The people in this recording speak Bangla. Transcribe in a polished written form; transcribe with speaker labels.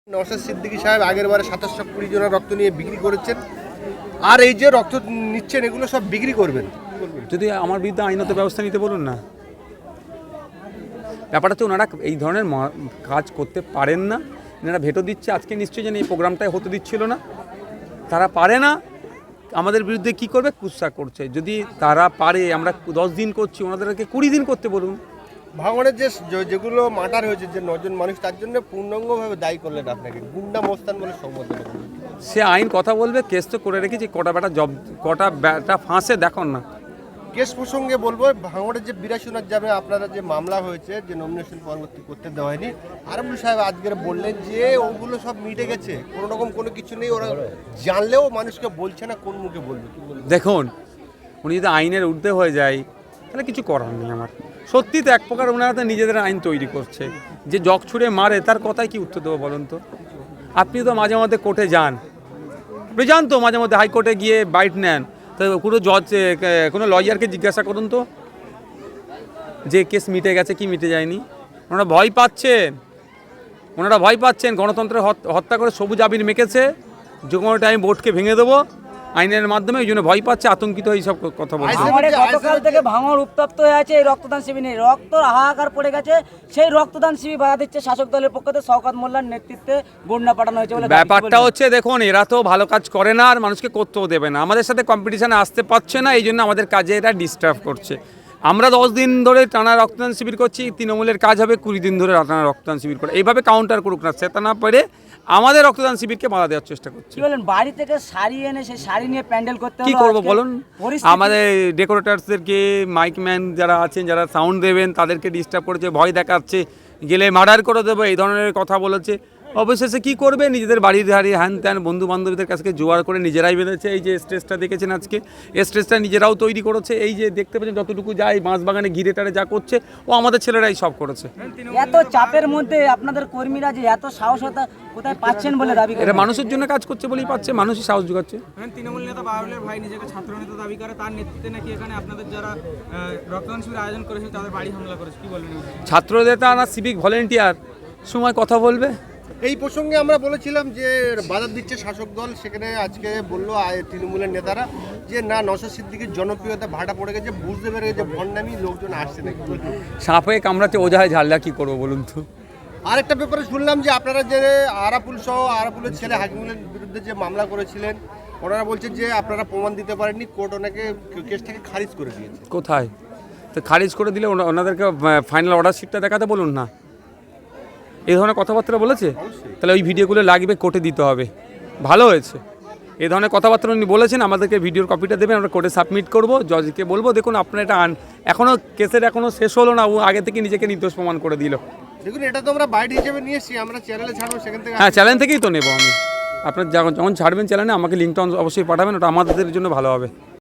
Speaker 1: নওশাদ সিদ্দিকী সাহেব আগের বারে 2720 জনের রক্ত নিয়ে বিক্রি করেছেন, আর এই যে রক্ত নিচ্ছেন এগুলো সব বিক্রি করবেন।
Speaker 2: যদি আমার বিরুদ্ধে আইনত ব্যবস্থা নিতে বলুন না। ব্যাপারটা তো ওনারা এই ধরনের কাজ করতে পারেন না। এনারা ভেটো দিচ্ছে, আজকে নিশ্চয়ই যেন এই প্রোগ্রামটাই হতে দিচ্ছিল না। তারা পারে না, আমাদের বিরুদ্ধে কি করবে? কুৎসা করছে। যদি তারা পারে, আমরা 10 দিন করছি, ওনাদেরকে 20 দিন করতে বলুন।
Speaker 1: ভাঙড়ের যেগুলো মার্ডার হয়েছে, যে 9 জন মানুষ, তার জন্য পূর্ণাঙ্গভাবে দায়ী করলেন আপনাকে, গুন্ডা মোস্তান বলে সম্বোধন করলেন।
Speaker 2: সে আইন কথা বলবে, কেস তো করে রেখেছি, কটা ব্যাটা ফাঁসে দেখুন না।
Speaker 1: কেস প্রসঙ্গে বলবো, ভাঙড়ের যে 82 যাবে আপনারা যে মামলা হয়েছে, যে নমিনেশন পরবর্তী করতে দেওয়া হয়নি, আরবুল সাহেব আজকের বললেন যে ওগুলো সব মিটে গেছে, কোনো রকম কোনো কিছু নেই, ওরা জানলেও মানুষকে বলছে না, কোন মুখে বলবে?
Speaker 2: দেখুন, উনি যদি আইনের ঊর্ধ্বে হয়ে যায় তাহলে কিছু করার নেই আমার। সত্যি তো এক প্রকার ওনারা তো নিজেদের আইন তৈরি করছে। যে জগ ছুঁড়ে মারে তার কথায় কি উত্তর দেবো বলুন তো? আপনি তো মাঝে মধ্যে কোর্টে যান, আপনি যান তো মাঝে মধ্যে হাইকোর্টে গিয়ে বাইট নেন, তো কোনো জজ, কোনো লয়ারকে জিজ্ঞাসা করুন তো যে কেস মিটে গেছে কি মিটে যায়নি। ওনারা ভয় পাচ্ছেন, গণতন্ত্রের হত্যা করে সবুজ আবির মেখেছে, যে কোনো টাইম ভোটকে ভেঙে দেবো আইনের মাধ্যমে, এই জন্য ভয় পাচ্ছে, আতঙ্কিত হয়ে সব কথা বলছে।
Speaker 3: গতকাল থেকে ভাঙড় উত্তপ্ত হয়ে আছে এই রক্তদান শিবির নিয়ে, রক্তর হাহাকার পড়ে গেছে। সেই রক্তদান শিবির বাধা দিচ্ছে শাসক দলের পক্ষ থেকে শওকত মোল্লার নেতৃত্বে গুন্ডা পাঠানো হয়েছে বলে
Speaker 2: ব্যাপারটা হচ্ছে। দেখুন, এরা তো ভালো কাজ করে না আর মানুষকে করতেও দেবে না, আমাদের সাথে কম্পিটিশানে আসতে পারছে না, এই জন্য আমাদের কাজে এরা ডিস্টার্ব করছে। আমরা 10 দিন ধরে টানা রক্তদান শিবির করছি, তৃণমূলের কাজ হবে 20 দিন ধরে টানা রক্তদান শিবির করে, এইভাবে কাউন্টার করুক না, সেটা না পারে আমাদের রক্তদান শিবিরকে বাধা দেওয়ার চেষ্টা করছি।
Speaker 3: কি বলেন, বাড়ি থেকে শাড়ি এনে সেই শাড়ি নিয়ে প্যান্ডেল করতে
Speaker 2: কি করবো বলুন? আমাদের ডেকোরেটার্সদেরকে, মাইকম্যান যারা আছেন, যারা সাউন্ড দেবেন, তাদেরকে ডিস্টার্ব করেছে, ভয় দেখাচ্ছে, গেলে মার্ডার করে দেবো, এই ধরনের কথা বলেছে। অবশেষে কি করবে? নিজেদের বাড়ির ধারে হ্যান ত্যান বন্ধু বান্ধবীদের কাছে জোয়ার করে নিজেরাই বেঁধেছে। এই যে স্টেজটা দেখেছেন আজকে, এই স্টেজটা নিজেরাও তৈরি করেছে। এই যে দেখতে পাচ্ছেন যতটুকু যায় বাঁশবাগানে ঘিরে টারে যা করছে, ও আমাদের ছেলেরাই সব করেছে।
Speaker 3: এত চাপের মধ্যে আপনাদের কর্মীরা যে এত সাহসতা কোথায় পাচ্ছেন বলে দাবি করে?
Speaker 2: এটা মানুষের জন্য কাজ করছে বলেই পাচ্ছে, মানুষই সাহস যোগাচ্ছে।
Speaker 4: তৃণমূল নেতা বাবুলের ভাই নিজেকে ছাত্র নেতা দাবি করে, তার নেতৃত্বে নাকি এখানে আপনাদের যারা রক্তদান শিবির আয়োজন করেছে তাদের বাড়ি হামলা করেছে, কি বলবেন?
Speaker 2: ছাত্র নেতা না সিভিক ভলেন্টিয়ার, সময় কথা বলবে।
Speaker 1: এই প্রসঙ্গে আমরা বলেছিলাম যে বাধা দিচ্ছে শাসক দল, সেখানে আজকে বললো তৃণমূলের নেতারা যে না, নওশাদ সিদ্দিকীর জনপ্রিয়তা ভাটা পড়ে গেছে, বুঝতে পেরে গেছে ভণ্ডামি লোকজন আসছে নাকি।
Speaker 2: সাপে কামড়াতে ওঝায় ঝাল্লা, কি করবো বলুন তো?
Speaker 1: আরেকটা ব্যাপারে শুনলাম যে আপনারা যে আরাপুল সহ আরাপুলের ছেলে হাকিমুলের বিরুদ্ধে যে মামলা করেছিলেন, ওনারা বলছেন যে আপনারা প্রমাণ দিতে পারেননি, কোর্ট ওনাকে কেসটাকে খারিজ করে দিয়েছে।
Speaker 2: কোথায়? তো খারিজ করে দিলে ওনাদেরকে ফাইনাল অর্ডার শিটটা দেখাতে বলুন না। এই ধরনের কথাবার্তা বলেছে, তাহলে ওই ভিডিওগুলো লাগবে, কোর্টে দিতে হবে। ভালো হয়েছে, এই ধরনের কথাবার্তা উনি বলেছেন, আমাদেরকে ভিডিওর কপিটা দেবেন, আমরা কোর্টে সাবমিট করবো, জজকে বলবো দেখুন আপনার এটা এখনও কেসের এখনও শেষ হলো না, ও আগে থেকে নিজেকে নির্দোষ প্রমাণ করে দিল।
Speaker 1: দেখুন, এটা তো আমরা বাইট হিসেবে নিয়ে এসেছি, আমরা চ্যানেলে ছাড়বো, সেখান থেকে।
Speaker 2: হ্যাঁ, চ্যানেল থেকেই তো নেবো আমি। আপনার যখন ছাড়বেন চ্যানেলে আমাকে লিঙ্কটা অবশ্যই পাঠাবেন, ওটা আমাদের জন্য ভালো হবে।